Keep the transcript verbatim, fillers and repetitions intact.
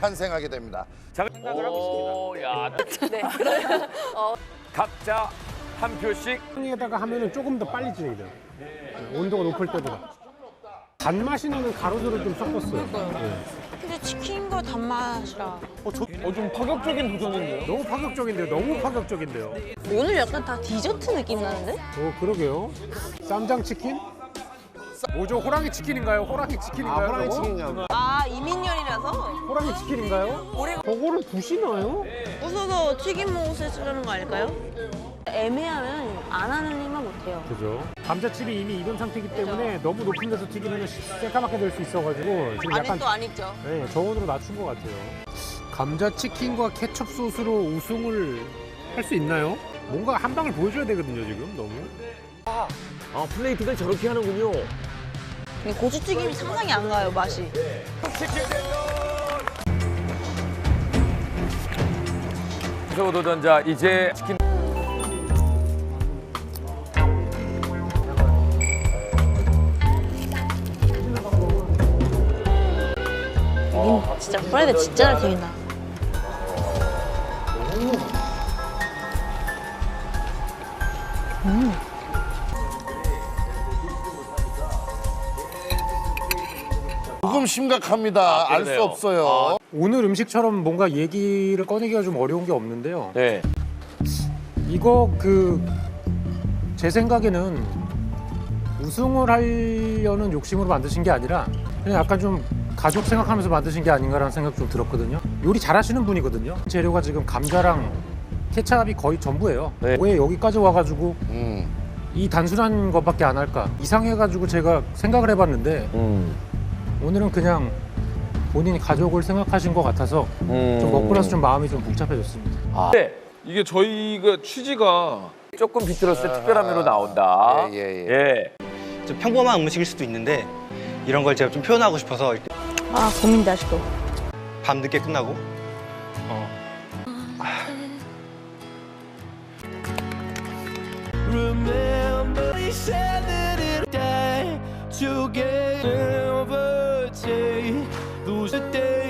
탄생하게 됩니다. 자, 생각을 하고 있습니다. 야, 네. 그러면 어, 각자 한 표씩. 에다가 하면은 조금 더 빨리 진행이 돼요. 네, 온도가 높을 때보다. 단맛이 나는 가루들을 좀 섞었어요. 네. 근데 치킨과 단맛이라 어, 저, 어, 좀 파격적인 도전인데요? 너무 파격적인데요. 너무 파격적인데요. 오늘 약간 다 디저트 느낌 나는데? 어, 그러게요. 쌈장 치킨? 뭐죠? 호랑이 치킨인가요? 호랑이 치킨인가요? 호랑이 치킨인가요? 아 이민열이라서 호랑이 치킨인가요? 저거를 부시나요? 웃어서 튀김 옷을 쓰려는 거 아닐까요? 애매하면 안 하는 일만 못해요. 그죠. 감자칩이 이미 익은 상태이기 때문에 너무 높은 데서 튀기면 새까맣게 될 수 있어가지고 지금 약간 아직도 안 익죠? 네, 저온으로 낮춘 것 같아요. 감자 치킨과 케첩 소스로 우승을 할 수 있나요? 뭔가 한 방을 보여줘야 되거든요, 지금 너무. 아, 플레이트가 저렇게 하는군요. 근데 고추튀김이 상상이 안 가요, 맛이. 치킨 대전! 도전자 이제 치킨. 음, 진짜 프라이드 진짜 잘 튀긴다. 조금 심각합니다. 알 수 그러네요. 없어요. 오늘 음식처럼 뭔가 얘기를 꺼내기가 좀 어려운 게 없는데요. 네. 이거 그 제 생각에는 우승을 하려는 욕심으로 만드신 게 아니라 그냥 약간 좀 가족 생각하면서 만드신 게 아닌가라는 생각 좀 들었거든요. 요리 잘하시는 분이거든요. 재료가 지금 감자랑 케찹이 거의 전부예요. 네. 왜 여기까지 와가지고 음. 이 단순한 것밖에 안 할까? 이상해가지고 제가 생각을 해봤는데 음. 오늘은 그냥 본인이 가족을 생각하신 것 같아서 음. 좀 먹고 나서 좀 마음이 좀 복잡해졌습니다. 네. 이게 저희가 취지가 조금 비틀었을 때 특별한 메로 나온다. 예, 예, 예. 예. 좀 평범한 음식일 수도 있는데 이런 걸 제가 좀 표현하고 싶어서 이렇게 아, 고민돼, 아직도. 밤 늦게 끝나고 어, Remember they said that it'll die together. Those are days